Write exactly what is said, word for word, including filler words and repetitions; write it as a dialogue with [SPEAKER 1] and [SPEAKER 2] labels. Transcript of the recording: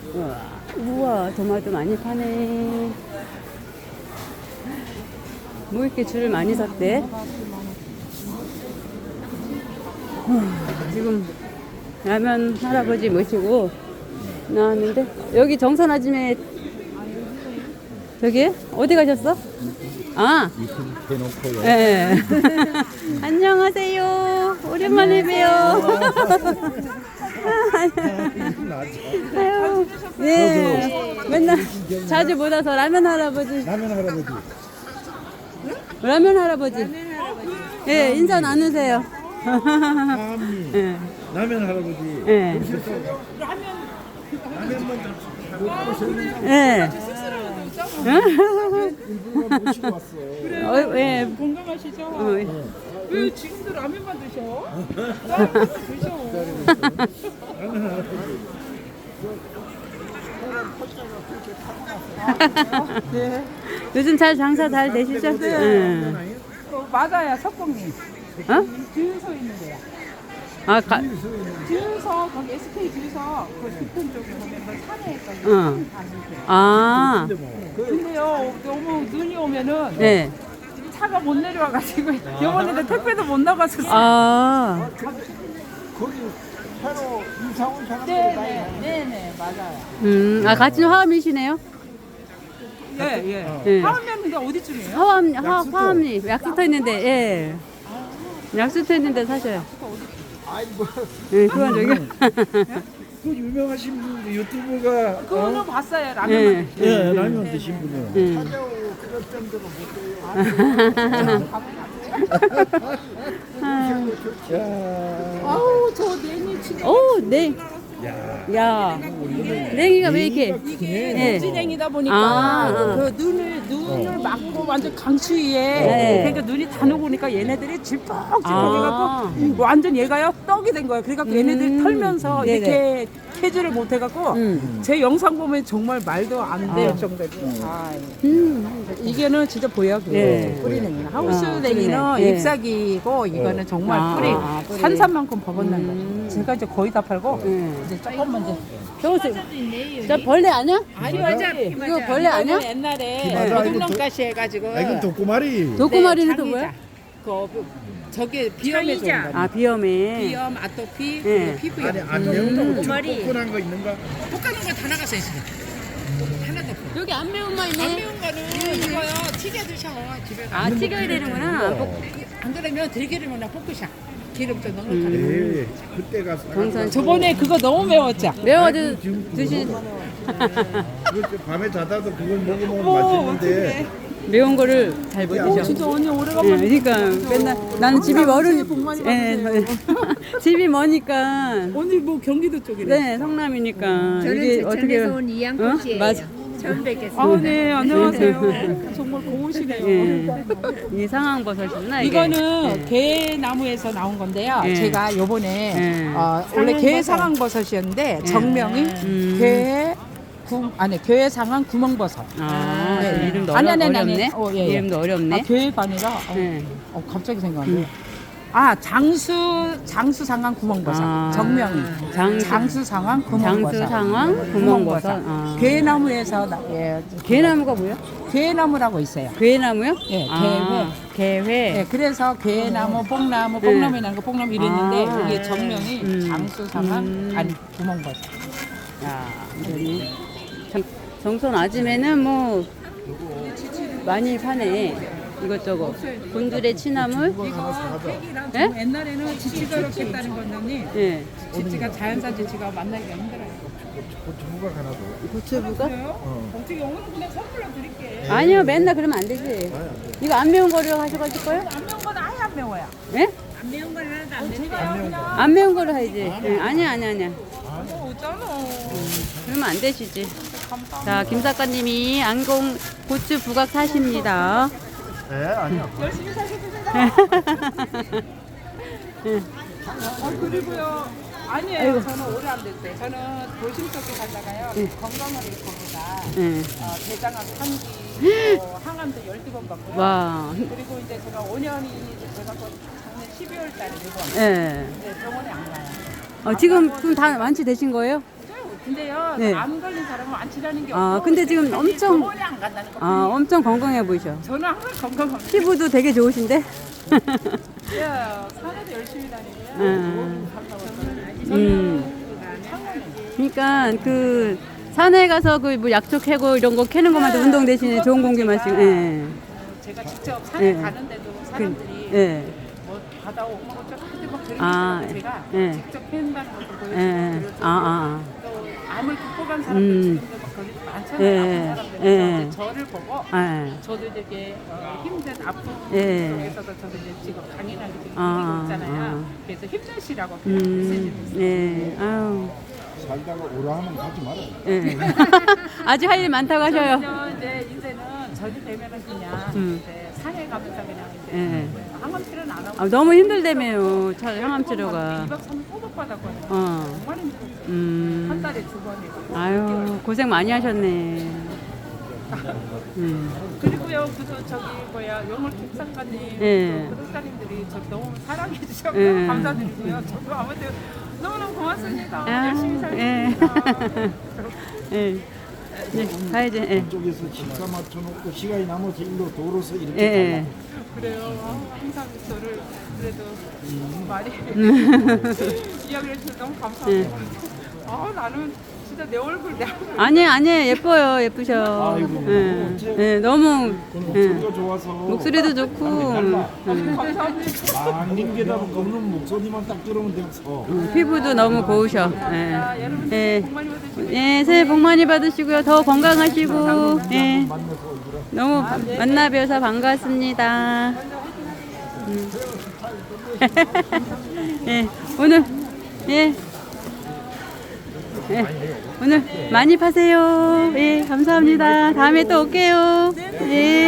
[SPEAKER 1] 우와, 우와, 토마토 많이 파네. 뭐 이렇게 줄을 많이 섰대? 어, 지금 라면 할아버지 모시고 나왔는데, 여기 정선 아줌에, 저기? 어디 가셨어? 아,
[SPEAKER 2] 대놓고요.
[SPEAKER 1] 예. 안녕하세요. 오랜만에 봬요. 아유, 네. 맨날 자주 못 와서 라면 할아버지.
[SPEAKER 2] 라면 할아버지.
[SPEAKER 1] 라면 할아버지. 예, 인사 나누세요.
[SPEAKER 2] 사암리.
[SPEAKER 1] 예.
[SPEAKER 2] 라면 할아버지.
[SPEAKER 1] 예.
[SPEAKER 2] 라면만 못 보셨는데
[SPEAKER 1] 예.
[SPEAKER 2] 일부러 모시고 왔어.
[SPEAKER 1] 어, 예.
[SPEAKER 3] 건강하시죠?
[SPEAKER 1] 어, 예.
[SPEAKER 3] 왜 지금도 라면만 드셔? 다른 것도 드셔.
[SPEAKER 2] 라면 할아버지.
[SPEAKER 3] 네.
[SPEAKER 1] 요즘 잘 장사 잘 되시죠? 예.
[SPEAKER 3] 어, 맞아요, 석공님.
[SPEAKER 1] 어?
[SPEAKER 3] 주유소 있는 데야.
[SPEAKER 1] 아, 가,
[SPEAKER 3] 주유소, 거기 에스케이 주유소, 그 뒤편 쪽에 보면 그 산에 있거든요.
[SPEAKER 1] 어.
[SPEAKER 3] 산 가는데.
[SPEAKER 1] 아,
[SPEAKER 2] 근데 뭐
[SPEAKER 3] 근데요, 너무 눈이 오면은
[SPEAKER 1] 네.
[SPEAKER 3] 차가 못 내려와가지고 이번에도 택배도 못 나가서.
[SPEAKER 1] 아,
[SPEAKER 2] 거기 새로 이사 온 사람들이
[SPEAKER 3] 네네,
[SPEAKER 2] 많이
[SPEAKER 3] 네네, 맞아요.
[SPEAKER 1] 음, 아, 같은 화암이시네요?
[SPEAKER 3] 예, 예.
[SPEAKER 1] 예.
[SPEAKER 3] 하면인데 어디쯤이에요?
[SPEAKER 1] 화암, 화, 화암이 약수터 있는데, 예. 약수터 있는데 사셔요.
[SPEAKER 2] 아이 뭐
[SPEAKER 1] 예, 그건 저기.
[SPEAKER 2] 그 유명하신 분 유튜브가
[SPEAKER 3] 그거는
[SPEAKER 2] 어?
[SPEAKER 3] 봤어요, 라면.
[SPEAKER 1] 예.
[SPEAKER 2] 예 라면 드신 분이요.
[SPEAKER 1] 예.
[SPEAKER 2] 찾아오고 그럴 정도로 못 돼요. 야.
[SPEAKER 3] 아우, 저 냉이 진짜.
[SPEAKER 1] 오, 네.
[SPEAKER 2] 야.
[SPEAKER 1] 야, 냉이가 왜 이렇게?
[SPEAKER 3] 이게
[SPEAKER 1] 예.
[SPEAKER 3] 녹지냉이다 보니까
[SPEAKER 1] 아, 아.
[SPEAKER 3] 그 눈을 눈을 막고 완전 강추위에
[SPEAKER 1] 네.
[SPEAKER 3] 그러니까 눈이 다 녹으니까 얘네들이 질퍽질퍽
[SPEAKER 1] 아.
[SPEAKER 3] 해갖고 완전 얘가요 떡이 된 거예요. 그러니까 얘네들이
[SPEAKER 1] 음.
[SPEAKER 3] 털면서
[SPEAKER 1] 네네.
[SPEAKER 3] 이렇게 캐지를 못해갖고
[SPEAKER 1] 음.
[SPEAKER 3] 제 영상 보면 정말 말도 안 돼요
[SPEAKER 1] 아.
[SPEAKER 3] 정도로. 아,
[SPEAKER 1] 음.
[SPEAKER 3] 이게는 진짜 보약이에요.
[SPEAKER 1] 네.
[SPEAKER 3] 뿌리 냉이는 하우스
[SPEAKER 1] 아,
[SPEAKER 3] 냉이는
[SPEAKER 1] 뿌리 냉.
[SPEAKER 3] 잎사귀고 이거는 정말
[SPEAKER 1] 아,
[SPEAKER 3] 뿌리
[SPEAKER 1] 아, 뿌리.
[SPEAKER 3] 산산만큼 버벗는
[SPEAKER 1] 음.
[SPEAKER 3] 거죠. 제가 이제 거의 다 팔고
[SPEAKER 1] 음.
[SPEAKER 3] 이제 조금만 이제.
[SPEAKER 1] 저거, 저 벌레 아니야?
[SPEAKER 3] 아니 맞아.
[SPEAKER 1] 이거 벌레 아니야?
[SPEAKER 3] 옛날에
[SPEAKER 2] 맞아, 이거
[SPEAKER 3] 도둑놈가시 해가지고
[SPEAKER 2] 아 이건 독고마리.
[SPEAKER 1] 도꼬마리는 또 뭐야?
[SPEAKER 3] 그 저게 비염에 좋은 거.
[SPEAKER 1] 아, 비염에.
[SPEAKER 3] 비염, 아토피,
[SPEAKER 1] 네.
[SPEAKER 3] 그리고 피부염.
[SPEAKER 2] 아니 안 매운 거
[SPEAKER 3] 독고마리.
[SPEAKER 2] 뽀뽀한 거 있는가?
[SPEAKER 3] 볶아놓은 거 다 나갔어 있어. 하나도 없어.
[SPEAKER 1] 여기 안 매운 거
[SPEAKER 3] 안
[SPEAKER 1] 있네.
[SPEAKER 3] 매운 거는 이거요 튀겨 드셔 집에 가.
[SPEAKER 1] 아, 튀겨야 되는구나. 볶-
[SPEAKER 3] 안 그러면 들기름이나 볶으셔. 기름 좀 넉넉하게.
[SPEAKER 2] 네. 그때 가서
[SPEAKER 1] 정선.
[SPEAKER 3] 저번에 그거 너무 매웠죠.
[SPEAKER 1] 매워도 드시,
[SPEAKER 2] 그 밤에 자다도 그걸 먹으면
[SPEAKER 3] 어,
[SPEAKER 2] 맛있는데
[SPEAKER 1] 매운 거를 잘 못
[SPEAKER 3] 어,
[SPEAKER 1] 드셔.
[SPEAKER 3] 진짜 언니
[SPEAKER 1] 예,
[SPEAKER 3] 오래간만에.
[SPEAKER 1] 그러니까 맨날 나는 집이 멀은
[SPEAKER 3] 복 많이
[SPEAKER 1] 예,
[SPEAKER 3] 받으세요.
[SPEAKER 1] 집이 머니까
[SPEAKER 3] 언니 뭐 경기도 쪽이래.
[SPEAKER 1] 네 성남이니까
[SPEAKER 4] 저는
[SPEAKER 1] 이게 어떻게
[SPEAKER 4] 제천에서 온 이양꽃 씨예요.
[SPEAKER 1] 어? 맞아.
[SPEAKER 4] 처음 뵙겠습니다.
[SPEAKER 3] 아, 네, 안녕하세요. 정말 고우시네요.
[SPEAKER 1] 예. 이 상황버섯이구나 이게.
[SPEAKER 3] 이거는 게나무에서 나온 건데요.
[SPEAKER 1] 예.
[SPEAKER 3] 제가 요번에
[SPEAKER 1] 예.
[SPEAKER 3] 어, 원래 게 상황버섯이었는데 정명이
[SPEAKER 1] 음.
[SPEAKER 3] 게 구, 아니 게 상황 구멍버섯.
[SPEAKER 1] 아,
[SPEAKER 3] 네.
[SPEAKER 1] 이름도
[SPEAKER 3] 아니,
[SPEAKER 1] 어려,
[SPEAKER 3] 아니, 아니,
[SPEAKER 1] 어렵네.
[SPEAKER 3] 아니. 어, 예, 예.
[SPEAKER 1] 이름도 어렵네.
[SPEAKER 3] 아, 게가 아니라 어,
[SPEAKER 1] 예.
[SPEAKER 3] 어, 갑자기 생각나네. 아 장수 장수 상황 구멍버섯.
[SPEAKER 1] 아.
[SPEAKER 3] 정명이
[SPEAKER 1] 장-
[SPEAKER 3] 장수 상황 구멍버섯.
[SPEAKER 1] 장수 상황 구멍버섯. 아.
[SPEAKER 3] 게나무에서 나, 예,
[SPEAKER 1] 게나무가 뭐야?
[SPEAKER 3] 게나무라고 있어요.
[SPEAKER 1] 괴나무요?
[SPEAKER 3] 예,
[SPEAKER 1] 아, 개회.
[SPEAKER 3] 네, 그래서 게나무, 뽕나무, 뽕나무에 나는 거 뽕나무 이랬는데
[SPEAKER 1] 아.
[SPEAKER 3] 이게 정명이
[SPEAKER 1] 음.
[SPEAKER 3] 장수 상황
[SPEAKER 1] 음.
[SPEAKER 3] 아니 구멍버섯.
[SPEAKER 1] 야, 완전히. 정- 정선 아줌에는 뭐 많이 파네. 이것저것. 곤드레 취나물.
[SPEAKER 3] 팩이랑
[SPEAKER 1] 예?
[SPEAKER 3] 옛날에는 지치가 이렇게 따는 건데
[SPEAKER 1] 예.
[SPEAKER 3] 지치가 자연산 지치가 만나기가 힘들어요.
[SPEAKER 2] 고추부각 하나 더.
[SPEAKER 1] 고추부가?
[SPEAKER 3] 그래요? 어떻게 오늘 그냥 선물로 드릴게.
[SPEAKER 1] 아니요, 맨날 그러면 안 되지. 이거 안 매운 거를 하셔가지고 거요?
[SPEAKER 3] 안 매운 건 아예 안 매워요.
[SPEAKER 1] 예?
[SPEAKER 3] 안 매운 건 하나도 안 매워요. 제가 그냥
[SPEAKER 1] 안 매운 거를 해야지. 예, 아니야, 아니야, 아니야.
[SPEAKER 3] 뭐 어쩌노.
[SPEAKER 1] 그러면 안 되시지. 자, 김 작가님이 안공 고추 부각 사십니다.
[SPEAKER 2] 네 아니요.
[SPEAKER 3] 열심히 사셔주세요. 아 그리고요. 아니에요. 저는 오래 안 됐어요. 저는 도심 속에 살다가요. 건강을 잃고보다
[SPEAKER 1] 예.
[SPEAKER 3] 어, 대장암 삼 기, 어, 항암도 열두 번 받고요.
[SPEAKER 1] 와.
[SPEAKER 3] 그리고 이제 제가 오 년이 제가 그 작년 십이월 달에 일본.
[SPEAKER 1] 예.
[SPEAKER 3] 근데 병원에 안 가요.
[SPEAKER 1] 어, 지금 그럼 다 완치되신 거예요?
[SPEAKER 3] 그 근데요,
[SPEAKER 1] 네.
[SPEAKER 3] 암 걸린 사람은 안 치라는 게
[SPEAKER 1] 아,
[SPEAKER 3] 없고
[SPEAKER 1] 근데 지금
[SPEAKER 3] 자기
[SPEAKER 1] 엄청-
[SPEAKER 3] 병원에 안 간다는 거.
[SPEAKER 1] 아, 엄청 건강해 보이셔.
[SPEAKER 3] 저는 항상 건강합니다.
[SPEAKER 1] 피부도 되게 좋으신데?
[SPEAKER 3] 예, 산에도 열심히 다니고요.
[SPEAKER 1] 음.
[SPEAKER 3] 저는
[SPEAKER 1] 음.
[SPEAKER 3] 창원에
[SPEAKER 1] 그러니까 그 산에 가서 그 뭐 약초 캐고 이런 거 캐는 것만도 운동 대신에 좋은 공기 마시고. 예.
[SPEAKER 3] 제가 직접 산에
[SPEAKER 1] 예.
[SPEAKER 3] 가는데도 사람들이
[SPEAKER 1] 예.
[SPEAKER 3] 뭐 바다 오고 뭐 어쩌고 막 그런
[SPEAKER 1] 아,
[SPEAKER 3] 게 제가
[SPEAKER 1] 예.
[SPEAKER 3] 직접 팬다는 것을 보여주고
[SPEAKER 1] 예.
[SPEAKER 3] 그리고
[SPEAKER 1] 아, 아,
[SPEAKER 3] 또 암을 극복한 사람들
[SPEAKER 1] 음.
[SPEAKER 3] 지금도 막 거기 많잖아요.
[SPEAKER 1] 예.
[SPEAKER 3] 아픈 사람들.
[SPEAKER 1] 예.
[SPEAKER 3] 그래서 저를 보고
[SPEAKER 1] 아. 예.
[SPEAKER 3] 저도 되게 어, 힘든 아픔
[SPEAKER 1] 예.
[SPEAKER 3] 속에서도 저도 이제 지금 강인하게 지금
[SPEAKER 1] 아,
[SPEAKER 3] 이기고 있잖아요.
[SPEAKER 1] 아.
[SPEAKER 3] 그래서 힘내시라고 그런 메시지를
[SPEAKER 1] 음.
[SPEAKER 3] 있어요.
[SPEAKER 1] 네. 아유.
[SPEAKER 2] 살다가 오라 하면 가지 마라.
[SPEAKER 1] 예. 아직 할 일 많다고 하셔요.
[SPEAKER 3] 저는요, 이제 이제는 절이 되면은 그냥
[SPEAKER 1] 음.
[SPEAKER 3] 이제 산에 가면서 그냥 이제
[SPEAKER 1] 예.
[SPEAKER 3] 항암 치료는 안 하고
[SPEAKER 1] 아, 너무 힘들다며요. 차- 항암 치료가.
[SPEAKER 3] 이 박 삼 일 꼬박 받았거든요.
[SPEAKER 1] 어.
[SPEAKER 3] 정말 힘들었어요. 한
[SPEAKER 1] 음.
[SPEAKER 3] 달에 두 번이고.
[SPEAKER 1] 아유, 고생 많이 하셨네. 음.
[SPEAKER 3] 그리고요, 그저 저기 뭐야 영월 특사관님,
[SPEAKER 1] 예.
[SPEAKER 3] 그 구독자님들이 저 너무 사랑해 주셔서
[SPEAKER 1] 예.
[SPEAKER 3] 감사드리고요. 저도 아무튼 너무너무 고맙습니다.
[SPEAKER 1] 아,
[SPEAKER 3] 열심히
[SPEAKER 1] 예.
[SPEAKER 3] 살겠습니다.
[SPEAKER 1] 예. 네, 가야지. 예.
[SPEAKER 2] 쪽에서 식사 맞춰놓고 시간이 남아서 일로 도로서 이렇게
[SPEAKER 1] 예. 예.
[SPEAKER 3] 그래요. 아, 항상 저를 그래도 많이 이야기를 해주셔서 너무 감사합니다. 아, 나는 진짜 내 얼굴 내 얼굴
[SPEAKER 1] 아니, 아니, 예뻐요. 예쁘셔.
[SPEAKER 2] 아이고,
[SPEAKER 1] 예. 예, 너무. 예.
[SPEAKER 2] 목소리가 좋아서
[SPEAKER 1] 목소리도 좋고. 음.
[SPEAKER 3] 감사합니다.
[SPEAKER 2] 망님 게다가 걷는 목소리만 딱 들으면 돼서
[SPEAKER 1] 음, 피부도 너무 고우셔. 예.
[SPEAKER 3] 자, 여러분
[SPEAKER 1] 예.
[SPEAKER 3] 복 많이 받으시고
[SPEAKER 1] 예, 새해 복 많이 받으시고요. 더 건강하시고. 예.
[SPEAKER 2] 만나서 이거라.
[SPEAKER 1] 너무 만나 뵈어서 반갑습니다. 음. 예, 오늘 예. 예, 오늘 많이 파세요. 예, 감사합니다. 다음에 또 올게요. 예.